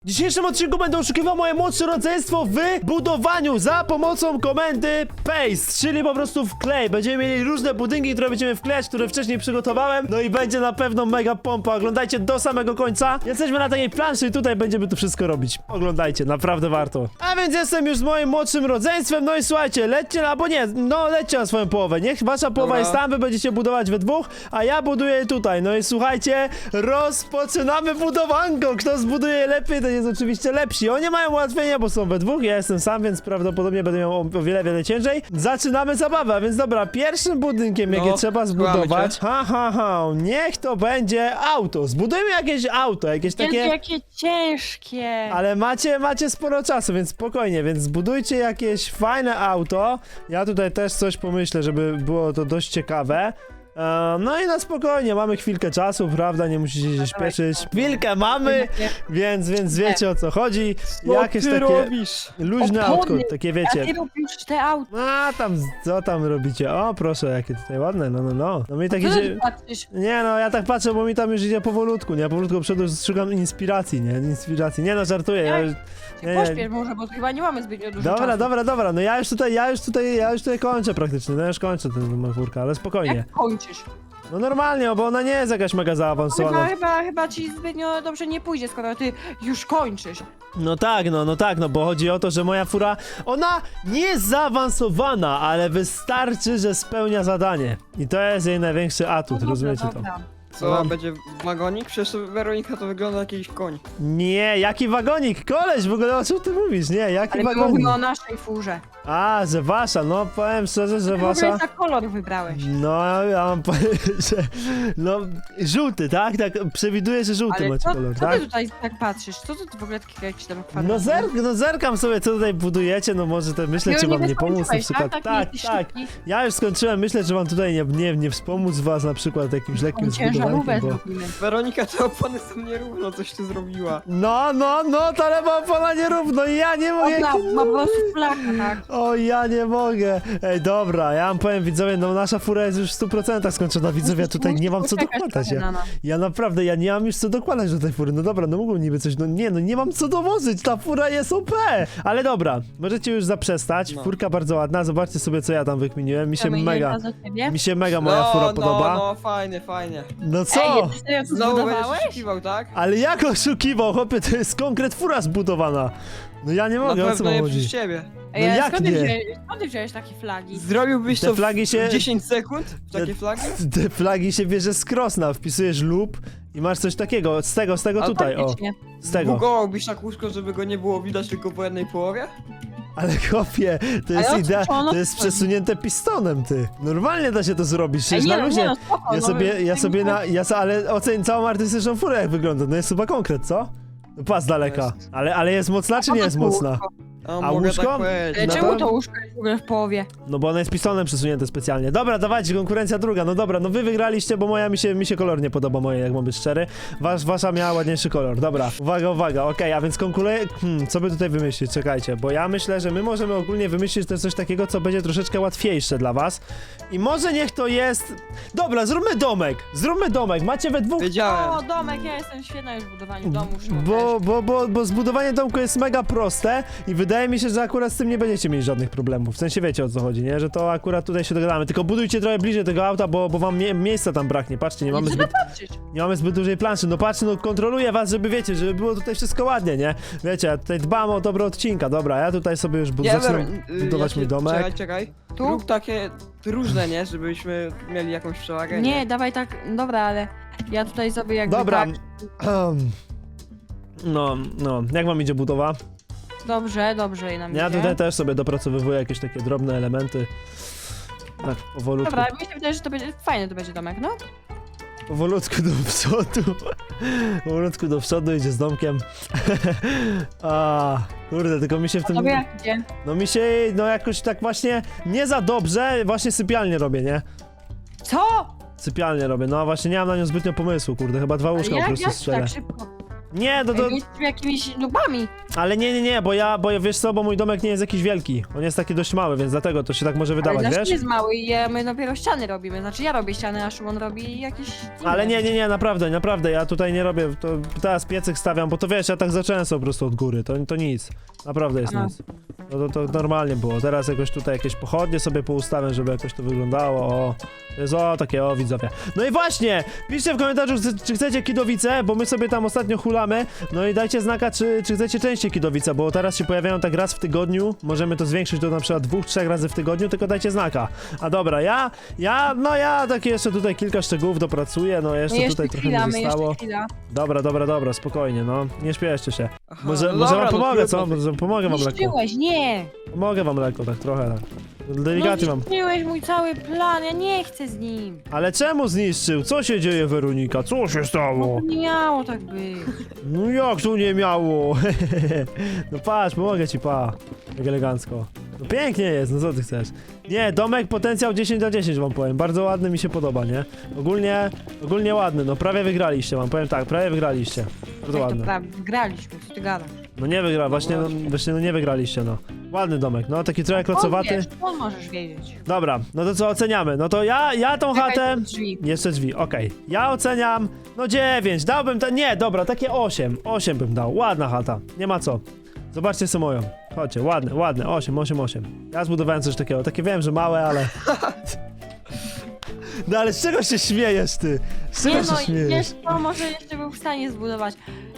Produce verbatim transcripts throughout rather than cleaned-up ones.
W dzisiejszym odcinku będę oszukiwał moje młodsze rodzeństwo w budowaniu za pomocą komendy paste, czyli po prostu wklej. Będziemy mieli różne budynki, które będziemy wklejać, które wcześniej przygotowałem. No i będzie na pewno mega pompa. Oglądajcie do samego końca. Jesteśmy na takiej planszy i tutaj będziemy to wszystko robić. Oglądajcie, naprawdę warto. A więc jestem już z moim młodszym rodzeństwem. No i słuchajcie, lećcie, albo nie, no lećcie na swoją połowę. Niech wasza połowa Dobra. jest tam, wy będziecie budować we dwóch, a ja buduję tutaj. No i słuchajcie, rozpoczynamy budowanko. Kto zbuduje lepiej, to jest oczywiście lepsi. Oni mają ułatwienia, bo są we dwóch, ja jestem sam, więc prawdopodobnie będę miał o, o wiele, wiele ciężej. Zaczynamy zabawę, a więc dobra, pierwszym budynkiem, No, jakie trzeba zbudować, cię. ha, ha, ha, niech to będzie auto. Zbudujmy jakieś auto, jakieś Jezu, takie... jakie ciężkie! Ale macie, macie sporo czasu, więc spokojnie, więc zbudujcie jakieś fajne auto. Ja tutaj też coś pomyślę, żeby było to dość ciekawe. E, no i na spokojnie, mamy chwilkę czasu, prawda, nie musicie się śpieszyć. Chwilkę mamy, więc, więc wiecie o co chodzi. Jakieś ty takie robisz? luźne autko, Opony. takie Ja wiecie. ty robisz te auto. A tam, co tam robicie? O, proszę, jakie tutaj ładne, no, no, no. No mi tak Co idzie... ty patrzysz? Nie no, ja tak patrzę, bo mi tam już idzie powolutku, nie? Powolutku przodu szukam inspiracji, nie? Inspiracji. Nie no, żartuję, ja już... Nie, nie. Pośpiesz może, bo chyba nie mamy zbytnio dużo Dobra, czasu. dobra, dobra, no ja już tutaj, ja już tutaj, ja już tutaj kończę praktycznie, no ja już kończę ten machurka, ale spokojnie. Jak kończysz? No normalnie, bo ona nie jest jakaś mega Chyba, zaawansowana. chyba, chyba ci zbytnio dobrze nie pójdzie, skoro ty już kończysz. No tak, no, no tak, no bo chodzi o to, że moja fura, ona nie jest zaawansowana, ale wystarczy, że spełnia zadanie. I to jest jej największy atut, No rozumiecie dobra, to? dobra. Co, Mam- będzie wagonik? Przecież Weronika to wygląda jak jakiś koń. Nie, jaki wagonik, koleś, w ogóle o czym ty mówisz, nie, jaki Ale my wagonik? mówimy o naszej furze. A, że wasza, no powiem szczerze, że Ty w ogóle wasza... za kolor wybrałeś. No, ja mam powiedzieć, że... No, żółty, tak? Tak, przewiduję, że żółty Ale macie co, kolor, co tak? ty tutaj tak patrzysz? Co ty w ogóle takie jakieś tam kwadraty? No, zerk, no zerkam sobie, co tutaj budujecie, no może to myślę, Ty czy już wam nie pomóc na skończyłeś, przykład. Tak, Tak, jesteś tak. szybki. Ja już skończyłem, myślę, że wam tutaj nie, nie, nie wspomóc was na przykład jakimś lekkim Tą ciężarówkę zbudowaniem, bo... zrobimy. Weronika, te opony są nierówno, coś ty zrobiła. No, no, no, ta lewa opona nierówno i ja nie mogę... Ona ma po prostu flaka, tak? O, ja nie mogę. Ej, dobra, ja wam powiem, widzowie, no nasza fura jest już w stu procentach skończona, widzowie, ja tutaj nie mam co Poczekać dokładać. trochę Ja, na nas. ja naprawdę, ja nie mam już co dokładać do tej fury. No dobra, no mógłbym niby coś, no nie, no nie mam co dowożyć, ta fura jest O P. Ale dobra, możecie już zaprzestać, No. furka bardzo ładna, zobaczcie sobie, co ja tam wykminiłem, mi się Chcemy mega, jedna za ciebie? mi się mega moja no, fura no, podoba. No, fajnie, fajnie. No co? Ej, ty serio co Znowu będziesz zbudowałeś? oszukiwał, tak? Ale jak oszukiwał, chłopie, to jest konkret fura zbudowana. No ja nie Na mogę, o co pewno wam nie chodzi? przez ciebie. Ej, No ale jak skąd ty nie? wziąłeś, skąd ty wziąłeś takie flagi? Zrobiłbyś Te to flagi w się- dziesięć sekund? W takie Te- flagi? Te flagi się bierze z krosna, wpisujesz lub i masz coś takiego, z tego, z tego A tutaj, o, Faktycznie. z tego. Bugowałbyś tak łóżko, żeby go nie było widać tylko po jednej połowie? Ale chłopie, to Ale jest o co- idea, co ono to jest chodzi? przesunięte pistonem, ty. Normalnie da się to zrobić, Ej, przecież nie, na no, luzie. nie, no, spoko, Ja no, sobie, my- ja sobie na, ja so, ale oceń całą artystyczną furę jak wygląda, no jest chyba konkret, co? No pas daleka, Jest. ale, ale jest mocna czy po nie co jest to mocna? łóżko? A, A mogę łóżko? tak powiedzieć. Ale No czemu to- to łóżko jest w ogóle w połowie? No bo ono jest pistonem przesunięte specjalnie. Dobra, dawajcie, konkurencja druga, no dobra, no wy wygraliście, bo moja mi się, mi się kolor nie podoba, moje, jak mam być szczery. Wasz, wasza miała ładniejszy kolor, dobra. Uwaga, uwaga, okej, a więc konkuruję, hmm, co by tutaj wymyślić, czekajcie, bo ja myślę, że my możemy ogólnie wymyślić też coś takiego, co będzie troszeczkę łatwiejsze dla was. I może niech to jest... Dobra, zróbmy domek, zróbmy domek, macie we dwóch... Wiedziałem. O, domek, ja jestem świetna już w budowaniu domu. Szymon Bo, też. bo, bo, bo zbudowanie domku jest mega proste i wydaje mi się, że akurat z tym nie będziecie mieli żadnych problemów. W sensie wiecie o co chodzi, nie? Że to akurat tutaj się dogadamy. Tylko budujcie trochę bliżej tego auta, bo, bo wam mie miejsca tam braknie. Patrzcie, nie mamy Co ty zbyt, patrzysz? nie mamy zbyt dużej planszy. No patrzcie, no kontroluję was, żeby wiecie, żeby było tutaj wszystko ładnie, nie? Wiecie, ja tutaj dbam o dobro odcinka. Dobra, ja tutaj sobie już bu Nie, zacznę Wero- y, budować ja mój się- domek. Czekaj, czekaj. Tu? Rób takie różne, nie? Żebyśmy mieli jakąś przewagę. Nie, dawaj tak, dobra, ale ja tutaj sobie jakby Dobra. tak... No, no, jak wam idzie budowa? Dobrze, dobrze i nam Ja idzie. tutaj też sobie dopracowywuję jakieś takie drobne elementy. Tak, powolutku. Dobra, mi się wydaje, że to będzie fajny to będzie domek, no. Powolutku do przodu. Powolutku do przodu idzie z domkiem. A, kurde, tylko mi się w A tym... tobie jak idzie? No mi się, no jakoś tak właśnie nie za dobrze, właśnie sypialnię robię, nie? Co? Sypialnię robię, no właśnie nie mam na nią zbytnio pomysłu, kurde, chyba dwa Ale łóżka po jak, prostu jak strzelę. tak szybko? Nie, no to... Ej, jesteśmy jakimiś nubami. Ale nie, nie, nie, bo ja, bo ja, wiesz co, bo mój domek nie jest jakiś wielki. On jest taki dość mały, więc dlatego to się tak może wydawać, Ale nasz wiesz? jest mały i ja- my dopiero ściany robimy. Znaczy ja robię ściany, a Szymon robi jakieś... Ale nie, nie, nie, naprawdę, naprawdę, ja tutaj nie robię, to teraz piecyk stawiam, bo to wiesz, ja tak zacząłem sobie po prostu od góry, to, to nic. Naprawdę jest A. nic. No to, to normalnie było, teraz jakoś tutaj jakieś pochodnie sobie poustawiam, żeby jakoś to wyglądało, o. To jest o, takie o, widzowie. No i właśnie, piszcie w komentarzu, czy- czy chcecie Kidowice, bo my sobie tam ostatnio hulamy, no i dajcie znaka, czy, czy chcecie częściej Kidowice, bo teraz się pojawiają tak raz w tygodniu, możemy to zwiększyć do na przykład dwóch, trzech razy w tygodniu, tylko dajcie znaka. A dobra, ja, ja, no ja takie jeszcze tutaj kilka szczegółów dopracuję, no jeszcze, No jeszcze tutaj trochę chwila, mi my zostało. jeszcze chwila. Dobra, dobra, dobra, spokojnie, no, nie śpieszcie się. Aha, Może, no może dobra, wam no pomogę, co? trudno. Może pomogę wam lekko. Niszczyłeś, nie! Pomogę wam lekko, tak trochę, tak. Delikatnie no, wam. zniszczyłeś mój cały plan, ja nie chcę z nim. Ale czemu zniszczył? Co się dzieje, Weronika? Co się No stało? to nie miało tak być. No jak tu nie miało? No patrz, pomogę ci, pa. Jak elegancko. No pięknie jest, no co ty chcesz? Nie, domek potencjał dziesięć na dziesięć wam powiem. Bardzo ładny, mi się podoba, nie? Ogólnie, ogólnie ładny, no prawie wygraliście wam, powiem tak, prawie wygraliście. Bardzo Jak to ładny. prawie, wygraliśmy, co ty gadasz? No nie wygra, właśnie, no, właśnie no nie wygraliście, no. Ładny domek, no taki trochę klocowaty. On wiesz, on możesz wiedzieć. Dobra, no to co oceniamy? No to ja, ja tą Czekaj, chatę... tu drzwi. Jeszcze drzwi, okej. Ja oceniam, no dziewięć, dałbym to, nie, dobra, takie osiem, osiem bym dał, ładna chata, nie ma co. Zobaczcie sobie moją, chodźcie, ładne, ładne, osiem, osiem, osiem. Ja zbudowałem coś takiego, takie wiem, że małe, ale... No ale z czego się śmiejesz, ty? Z czego Nie się no, śmiejesz? wiesz co, może jeszcze był w stanie zbudować.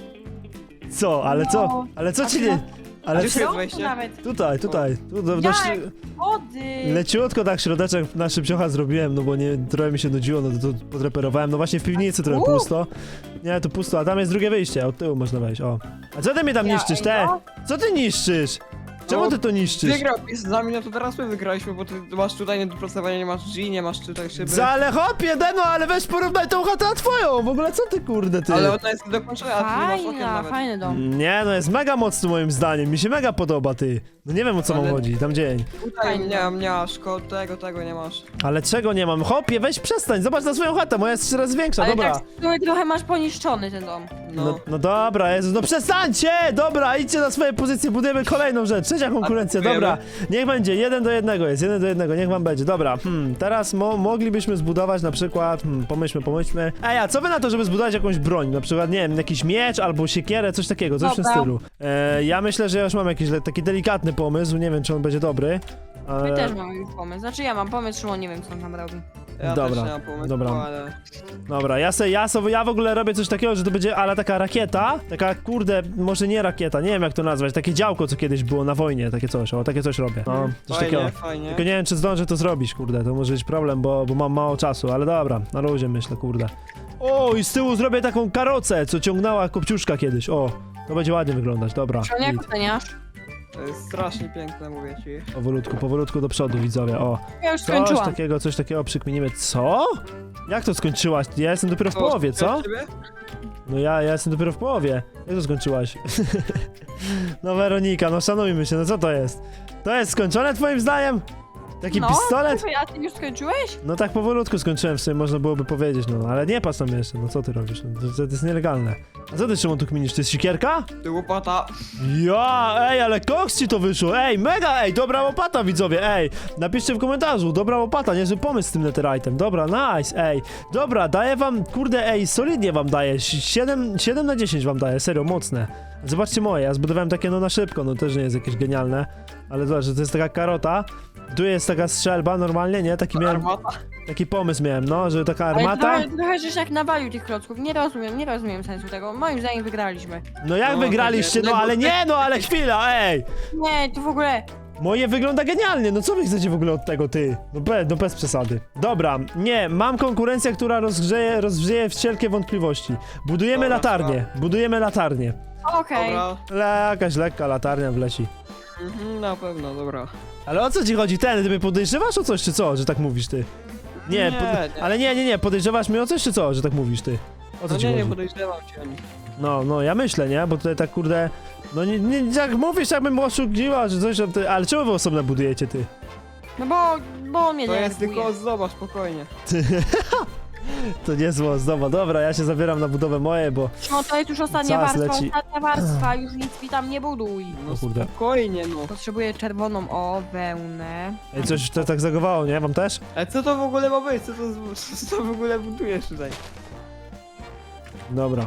Co, ale co, No, ale co a ci ty nie... na- Ale Gdzie co... jest Środku wejście? nawet. Tutaj, tutaj, tu, do, do, Jak? śr- Wody! Leciutko tak środeczek na szybciocha zrobiłem, no bo nie, trochę mi się nudziło, no to, to podreperowałem, no właśnie w piwnicy trochę U. pusto. Nie, tu pusto, a tam jest drugie wyjście, od tyłu można wejść, o. A co ty mnie tam Ja, niszczysz, ej, te? no. Co ty niszczysz? Czemu No, ty to niszczysz? Wygrał z nami, no to teraz my wygraliśmy, bo ty masz tutaj niedopracowanie, nie masz drzwi, nie masz tutaj szyby. Za, ale hopie, no ale weź porównaj tą chatę na twoją, w ogóle co ty kurde ty? Ale ona jest dokończona, a ty nie masz okien Fajna, nawet. fajny dom. Nie, no jest mega mocny moim zdaniem, mi się mega podoba ty. No nie wiem o co Ale- mam chodzi, tam dzień. Tutaj Fajny nie, dom. nie masz, ko- tego, tego nie masz. Ale czego nie mam? Hopie, weź przestań, zobacz na swoją chatę, moja jest trzy razy większa, Ale dobra. tak trochę, trochę masz poniszczony ten dom. No. No, no dobra, Jezu, no przestańcie! Dobra, idźcie na swoje pozycje, budujemy kolejną rzecz. Trzecia konkurencja, A budujemy? dobra. Niech będzie, jeden do jednego jest, jeden do jednego, niech wam będzie. Dobra, hmm, teraz mo moglibyśmy zbudować na przykład, hmm, pomyślmy, pomyślmy. Ej, a co wy na to, żeby zbudować jakąś broń? Na przykład, nie wiem, jakiś miecz albo siekierę, coś takiego, coś w tym Dobra. stylu. E, ja myślę, że ja już mam jakiś le- taki delikatny pomysł, nie wiem, czy on będzie dobry. My Ale... też mamy już pomysł. Znaczy ja mam pomysł, Szymon nie wiem co on tam robi. Ja Dobra, też nie mam pomysłu, dobra. ale... Dobra, ja se, ja sobie, ja w ogóle robię coś takiego, że to będzie ale taka rakieta, taka kurde, może nie rakieta, nie wiem jak to nazwać, takie działko, co kiedyś było na wojnie, takie coś, o, takie coś robię. No, coś Fajnie, takiego. fajnie. Tylko nie wiem, czy zdążę to zrobić, kurde, to może być problem, bo, bo mam mało czasu, ale dobra, na luzie myślę, kurde. O, i z tyłu zrobię taką karocę, co ciągnęła Kopciuszka kiedyś, o, to będzie ładnie wyglądać, dobra. Szymon, jak git. oceniasz? To jest strasznie piękne, mówię ci. Powolutku, powolutku do przodu, widzowie, o. Ja już Coś skończyłam. takiego, coś takiego przykminimy. Co? Jak to skończyłaś? Ja jestem dopiero w To połowie, co? od ciebie? No ja, ja jestem dopiero w połowie. Jak to skończyłaś? No Weronika, no szanujmy się, no co to jest? To jest skończone twoim zdaniem? Taki no, pistolet? A ty już skończyłeś? No tak powolutku skończyłem, w sumie można byłoby powiedzieć, no ale nie patrz tam jeszcze, no co ty robisz? No, to, to jest nielegalne. A co ty, Szymon, tu kminisz? To jest sikierka? Ty łopata. Ja, ej, ale koks ci to wyszło, ej, mega, ej, dobra łopata, widzowie, ej, napiszcie w komentarzu, dobra łopata, niezły pomysł z tym netherite'em, dobra, nice, ej, dobra, daję wam, kurde, ej, solidnie wam daję, siedem na dziesięć wam daję, serio, mocne. Zobaczcie moje, ja zbudowałem takie, no na szybko, no też nie jest jakieś genialne, ale zobacz, że to jest taka karota, tu jest taka strzelba normalnie, nie, taki miałem, Armata. taki pomysł miałem, no, że taka Ale armata, trochę, trochę żeś jak nawalił tych klocków. Nie rozumiem, nie rozumiem sensu tego. Moim zdaniem wygraliśmy. no jak No, wygraliście, takie- no ale nie, no ale chwila, ej. Nie, to w ogóle... Moje wygląda genialnie, no co wy chcecie w ogóle od tego, ty? No, be, no bez przesady. Dobra, nie, mam konkurencję, która rozgrzeje, rozgrzeje wszelkie wątpliwości. Budujemy Dobra, latarnię, budujemy latarnię. Okej. Dobra. Le, jakaś lekka latarnia wleci. Mhm, na pewno, dobra. Ale o co ci chodzi? Ten, ty mnie podejrzewasz o coś, czy co, że tak mówisz, ty? Nie, Nie, pod... nie. ale nie, nie, nie, podejrzewasz mnie o coś, czy co, że tak mówisz, ty? O co No ci nie, nie chodzi? podejrzewam cię. No, no, ja myślę, nie? Bo tutaj tak, kurde... No nie, nie jak mówisz, jakbym oszukiwała, że coś, ty... ale czemu wy osobno budujecie, ty? No bo, bo on mnie To jest denerwuje. tylko ozdoba, spokojnie. To nie zło, znowu. Dobra, ja się zabieram na budowę moje, bo... No to jest już ostatnia Czas warstwa, leci. ostatnia warstwa, już nic mi tam nie buduj. No O kurde. spokojnie, no. Potrzebuję czerwoną, o, wełnę. Ej, coś to tak zagowało, nie? Wam też? Ale co to w ogóle ma być? Co to, z- co w ogóle budujesz tutaj? Dobra.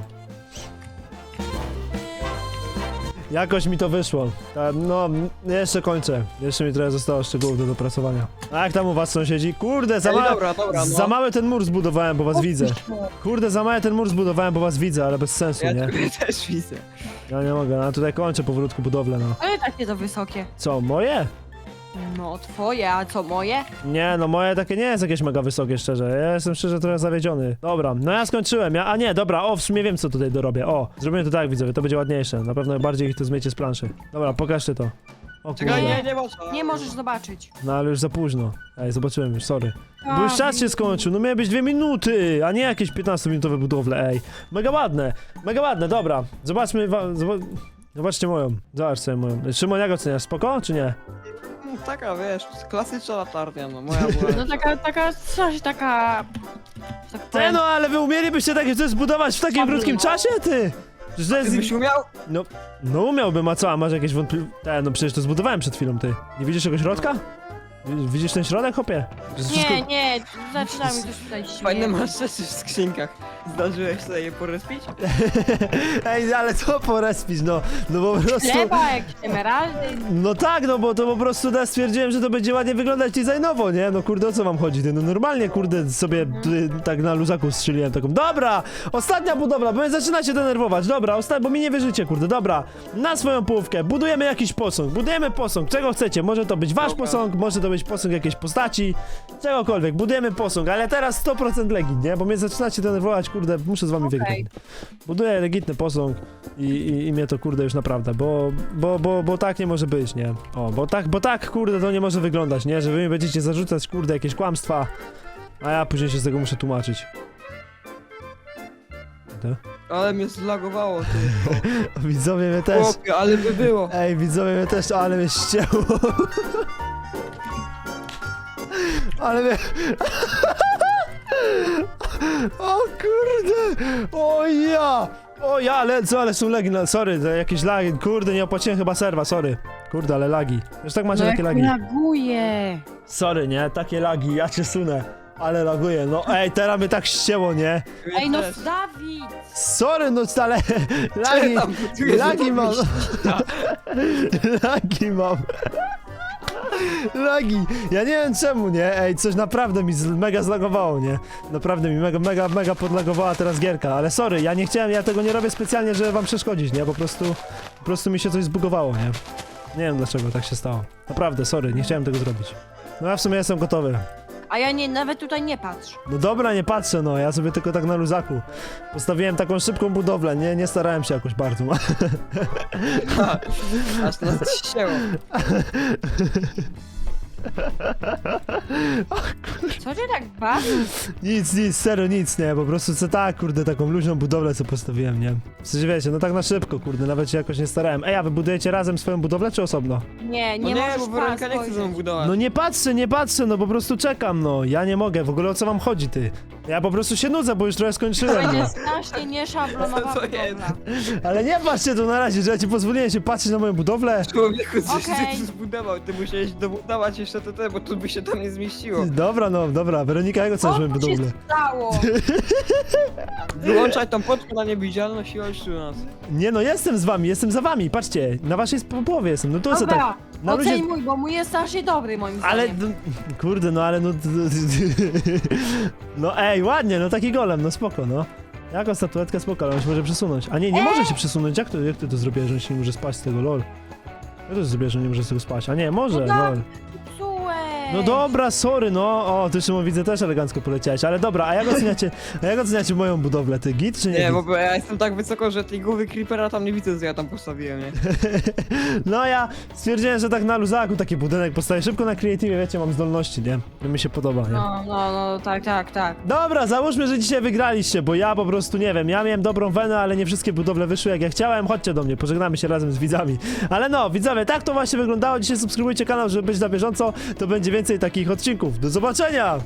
Jakoś mi to wyszło. Ta, no, jeszcze kończę. Jeszcze mi trochę zostało szczegółów do dopracowania. A jak tam u was sąsiedzi? Kurde, za, Ale ma... dobra, dobra, no. za mały ten mur zbudowałem, bo was widzę. No. Kurde, za mały ten mur zbudowałem, bo was widzę, ale bez sensu, Ja nie? ciebie też widzę. Ja nie mogę, no tutaj kończę powolutku budowlę, no. Ale takie to wysokie. Co, moje? No twoje, a co moje? Nie, no moje takie nie jest jakieś mega wysokie, szczerze. Ja jestem szczerze trochę zawiedziony. Dobra, no ja skończyłem. Ja, a nie, dobra, o, w sumie wiem, co tutaj dorobię. O, zrobimy to tak, widzowie, to będzie ładniejsze. Na pewno bardziej ich to zmiecie z planszy. Dobra, pokażcie to. O Czekaj, kurde. nie, nie można. Nie możesz zobaczyć. No ale już za późno. Ej, zobaczyłem już, sorry. Bo już A, czas się skończył, no miały być dwie minuty, a nie jakieś piętnastominutowe budowle, ej. Mega ładne, mega ładne, dobra. Zobaczmy, wa- zoba- zobaczcie moją. Zobacz sobie moją. Szymon, jak oceniasz, spoko, czy nie? Mm, Taka, wiesz, klasyczna latarnia, no moja była. No taka, taka, coś taka... Tak Te powiem. no, ale wy umielibyście takie coś zbudować w takim Słaby, krótkim no. czasie, ty? Że to Ty jest... byś umiał? No, no umiałbym, a co, a masz jakieś wątpliwości? Te, no przecież to zbudowałem przed chwilą, ty. Nie widzisz tego środka? Wi- Widzisz ten środek, hopie? To jest wszystko- Nie, nie, zaczyna mi coś tutaj śmieje. Fajne masz rzeczy w skrzynkach. Zdarzyłeś sobie je porespić? Ej, ale co porespić, no, no po prostu... Chleba, jakieś emeraldy. No tak, no bo to po prostu ja stwierdziłem, że to będzie ładnie wyglądać designowo, nie? No kurde, o co wam chodzi? Ty? No normalnie, kurde, sobie tutaj tak na luzaku strzeliłem taką. Dobra! Ostatnia budowla, bo mnie zaczynacie denerwować. Dobra, osta- bo mi nie wierzycie, kurde, dobra. Na swoją połówkę budujemy jakiś posąg, budujemy posąg, czego chcecie. Może to być wasz Dobra. posąg, może to być posąg jakiejś postaci, czegokolwiek. Budujemy posąg, ale teraz sto procent legit, nie? Bo mnie zaczynacie denerwować, kurde, muszę z wami Okej. wygrać. Buduję legitny posąg i, i, i mnie to kurde już naprawdę, bo, bo, bo, bo tak nie może być, nie? O, bo tak, bo tak kurde to nie może wyglądać, nie? Że wy mi będziecie zarzucać kurde jakieś kłamstwa, a ja później się z tego muszę tłumaczyć. To? Ale mnie zlagowało, ty. Widzowie mnie też. Chłopie, ale by było. Ej, widzowie mnie też, ale mnie ścięło. Ale mnie... O kurde! O ja! O ja, ale co, ale są lagi, no, sorry, to jakieś lagi, kurde, nie opłaciłem chyba serwa, sorry. Kurde, ale lagi. Już tak macie No takie jak lagi. laguje. Sorry, nie? Takie lagi, ja cię sunę. Ale laguję, no ej, teraz mnie tak ścięło, nie? Mnie Ej, no też. Dawid! Sorry, no ale... Lagi, tam budujesz, lagi to mam. myśli. Lagi mam. Lagi. Ja nie wiem czemu, nie? Ej, coś naprawdę mi z- mega zlagowało, nie? Naprawdę mi mega, mega, mega podlagowała teraz gierka, ale sorry, ja nie chciałem, ja tego nie robię specjalnie, żeby wam przeszkodzić, nie? Po prostu, po prostu mi się coś zbugowało, nie? Nie wiem dlaczego tak się stało. Naprawdę, sorry, nie chciałem tego zrobić. No ja w sumie jestem gotowy. A ja nie, nawet tutaj nie patrz. No dobra, nie patrzę, no, ja sobie tylko tak na luzaku. Postawiłem taką szybką budowlę, nie, nie starałem się jakoś bardzo. Aż nas ścięło. Co cię tak bawi? Nic, nic, serio nic, nie, po prostu co tak, kurde, taką luźną budowlę co postawiłem, nie? W sensie wiecie, no tak na szybko, kurde, nawet się jakoś nie starałem. Ej, a wy budujecie razem swoją budowlę, czy osobno? Nie, No nie nie, możesz bo Weronika nie chce ze mną spojrzeć. budować. No nie patrzę, nie patrzę, no po prostu czekam, no, ja nie mogę, w ogóle o co wam chodzi, ty? Ja po prostu się nudzę, bo już trochę To skończyłem, będzie no. strasznie nieszablonowa Co to jest? budowla. Ale nie patrzcie tu na razie, że ja ci pozwoliłem się patrzeć na moją budowlę. Człowieku, coś Okej. ty zbudował, ty musiałeś dobudować jeszcze to, te, bo tu by się tam nie zmieściło. Dobra, no, dobra, Weronika, jak oceniasz moją Co tu się budowlę? stało? Wyłączaj tą poczkę na niewidzialność i chodź tu do nas. Nie no, jestem z wami, jestem za wami, patrzcie, na waszej sp- połowie jestem, no to co tak? Dobra, Na oceń luzie... mój, bo mój jest strasznie dobry moim Ale, zdaniem. no, kurde, no ale no... No ej, ładnie, no taki golem, no spoko, no. Jaką statuetkę spoko, ale on się może przesunąć. A nie, nie może się przesunąć, jak to, jak ty to zrobiłeś, że on się nie może spać z tego, lol? Jak to zrobiłeś, że on nie może z tego spać? A nie, może, No tak. lol. Psułeś. No dobra, sorry, no. O, ty Szymon widzę też elegancko poleciałeś, ale dobra, a jak oceniacie, a jak oceniacie moją budowlę, ty git czy nie? Nie, git? bo ja jestem tak wysoko, że tej głowy creepera tam nie widzę, co ja tam postawiłem, nie? No ja stwierdziłem, że tak na luzaku taki budynek postawię szybko na creative, wiecie, mam zdolności, nie? To mi się podoba, nie? No, no, no, tak, tak, tak. Dobra, załóżmy, że dzisiaj wygraliście, bo ja po prostu nie wiem, ja miałem dobrą wenę, ale nie wszystkie budowle wyszły jak ja chciałem. Chodźcie do mnie, pożegnamy się razem z widzami. Ale no, widzowie, tak to właśnie wyglądało. Dzisiaj subskrybujcie kanał, żeby być na bieżąco. To będzie więcej takich odcinków. Do zobaczenia!